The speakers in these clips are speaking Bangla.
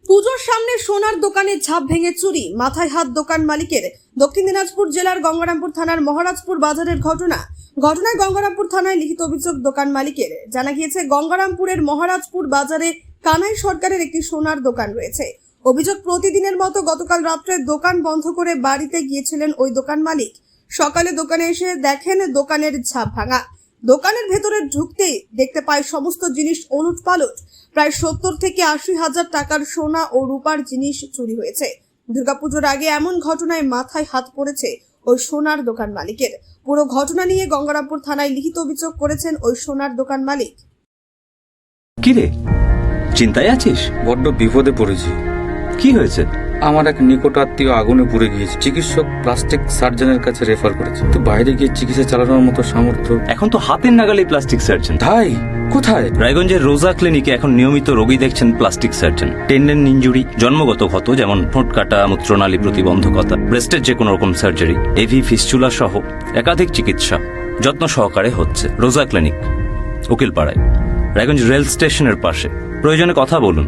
পুজোর সামনে সোনার দোকানে ঝাঁপ ভেঙে চুরি, মাথায় হাত দোকান মালিকের। দক্ষিণ দিনাজপুর জেলার গঙ্গারামপুর থানার মহারাজপুর বাজারের ঘটনায় গঙ্গারামপুর থানায় লিখিত অভিযোগ দোকান মালিকের। জানা গিয়েছে, গঙ্গারামপুরের মহারাজপুর বাজারে কানাই সরকারের একটি সোনার দোকান রয়েছে। অভিযোগ, প্রতিদিনের মতো গতকাল রাত্রে দোকান বন্ধ করে বাড়িতে গিয়েছিলেন ওই দোকান মালিক। সকালে দোকানে এসে দেখেন দোকানের ঝাঁপ ভাঙা। দোকানের ভেতরে ঢুকতেই দেখতে পায় সমস্ত জিনিস ওলটপালট। প্রায় 70 থেকে 80 হাজার টাকার সোনা ও রূপার জিনিস চুরি হয়েছে। দুর্গাপুজোর আগে এমন ঘটনায় মাথায় হাত পড়েছে ওই সোনার দোকান মালিকের। পুরো ঘটনা নিয়ে গঙ্গারামপুর থানায় লিখিত অভিযোগ করেছেন ওই সোনার দোকান মালিক। কিরে, চিন্তায় আছিস? বড্ড বিপদে পড়েছি। কি হয়েছে? আমার এক নিকট আত্মীয় আগুনে পুড়ে গিয়েছে। চিকিৎসক প্লাস্টিক সার্জনের কাছে রেফার করেছে, তো বাইরে গিয়ে চিকিৎসা চালানোর মতো সামর্থ্য। এখন তো হাতের নাগালে প্লাস্টিক সার্জন। তাই কোথায়? রায়গঞ্জের রোজা ক্লিনিকে এখন নিয়মিত রোগী দেখছেন প্লাস্টিক সার্জন। টেন্ডেন ইনজুরি, জন্মগত ক্ষত যেমন ঠোঁট কাটা, মূত্রনালী প্রতিবন্ধকতা, ব্রেস্টের যে কোনো রকম সার্জারি, এভি ফিস্চুলা সহ একাধিক চিকিৎসা যত্ন সহকারে হচ্ছে রোজা ক্লিনিক, উকিলপাড়ায়, রায়গঞ্জ রেল স্টেশনের পাশে। প্রয়োজনে কথা বলুন।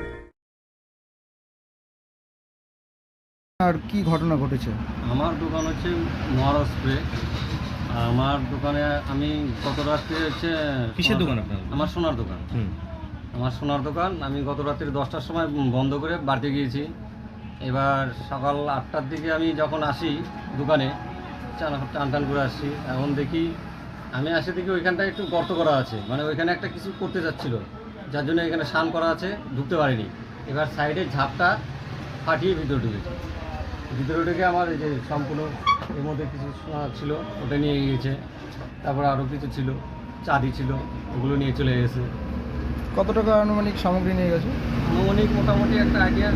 আর কি ঘটনা ঘটেছে? আমার দোকান হচ্ছে মহারাষ্ট্রে। আমার দোকানে আমি গত রাত্রে হচ্ছে কিসের দোকান আপনার? আমার সোনার দোকান। আমার সোনার দোকান আমি গত রাত্রি 10টার সময় বন্ধ করে বাড়িতে গিয়েছি। এবার সকাল 8টার দিকে আমি যখন আসি দোকানে, টান টান করে আসছি, এখন দেখি দেখি ওইখানটায় একটু গর্ত করা আছে, মানে ওইখানে একটা কিছু করতে যাচ্ছিল, যার জন্য এখানে স্নান করা আছে, ঢুকতে পারিনি। এবার সাইডের ঝাপটা ফাটিয়ে ভিতরে ঢুকেছে। ভিতরে ঢুকে আমার এই যে সম্পূর্ণ এর মধ্যে কিছু সোনা ছিল ওটা নিয়ে গিয়েছে। তারপরে আরও কিছু ছিল, চাঁদি ছিল, ওগুলো নিয়ে চলে গেছে। কত টাকা আনুমানিক সামগ্রী নিয়ে গেছে? আনুমানিক মোটামুটি একটা আইডিয়া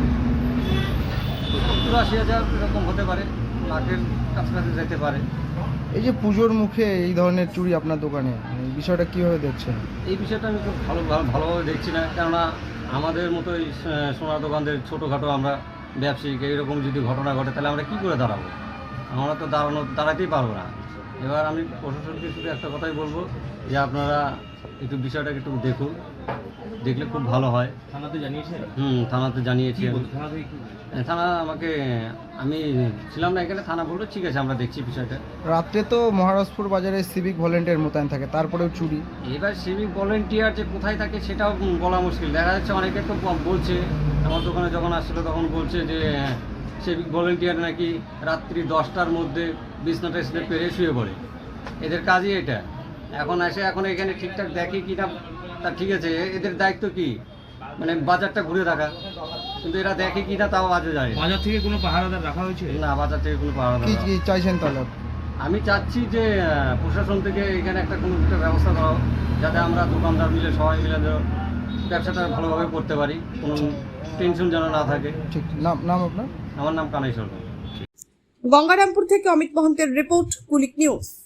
70-80 হাজার এরকম হতে পারে, লাখের কাছাকাছি যেতে পারে। এই যে পুজোর মুখে এই ধরনের চুরি আপনার দোকানে, এই বিষয়টা কীভাবে দেখছেন? এই বিষয়টা আমি খুব ভালোভাবে দেখছি না, কেননা আমাদের মতো এই সোনার দোকানদের ছোটোখাটো আমরা ব্যবসায়িক এইরকম যদি ঘটনা ঘটে তাহলে আমরা কী করে দাঁড়াবো? আমরা তো দাঁড়াতেই পারবো না। এবার আমি প্রশাসনকে শুধু একটা কথাই বলবো যে আপনারা একটু বিষয়টাকে একটু দেখুন, দেখলে খুব ভালো হয়। থানাতে জানিয়েছেন? থানাতে জানিয়েছি। থানা থানা আমাকে, আমি ছিলাম না এখানে, থানা বললো ঠিক আছে আমরা দেখছি বিষয়টা। রাত্রে তো মহারাজপুর বাজারে সিভিক ভলেন্টিয়ার মোতায়েন থাকে, তারপরেও চুরি। এবার সিভিক ভলেন্টিয়ার যে কোথায় থাকে সেটাও বলা মুশকিল। দেখা যাচ্ছে অনেকে তো বলছে, আমার দোকানে যখন আসছিলো তখন বলছে যে সিভিক ভলেন্টিয়ার নাকি রাত্রি 10টার মধ্যে বিছনাটা পেরে শুয়ে পড়ে, এদের কাজই এটা। এখন এখানে ঠিকঠাক দেখে কি না তা ঠিক আছে, এদের দায়িত্ব কি, মানে বাজারটা ঘুরে রাখা, কিন্তু এরা দেখে কি না তাও বাজে যায়। বাজার থেকে কোনো পাহারাদার রাখা হয়েছে? না, বাজার থেকে কোনো পাহারাদার। কি চাইছেন তাহলে? আমি চাচ্ছি যে প্রশাসন থেকে এখানে কোনো একটা ব্যবস্থা করা হোক, যাতে আমরা দোকানদার মিলে সবাই মিলে ব্যবসাটা ভালোভাবে করতে পারি, কোনো টেনশন যেন না থাকে। ঠিক, নাম আপনার? আমার নাম কানাই সরকার। গঙ্গারামপুর থেকে অমিত মহন্তের রিপোর্ট, কুলিক নিউজ।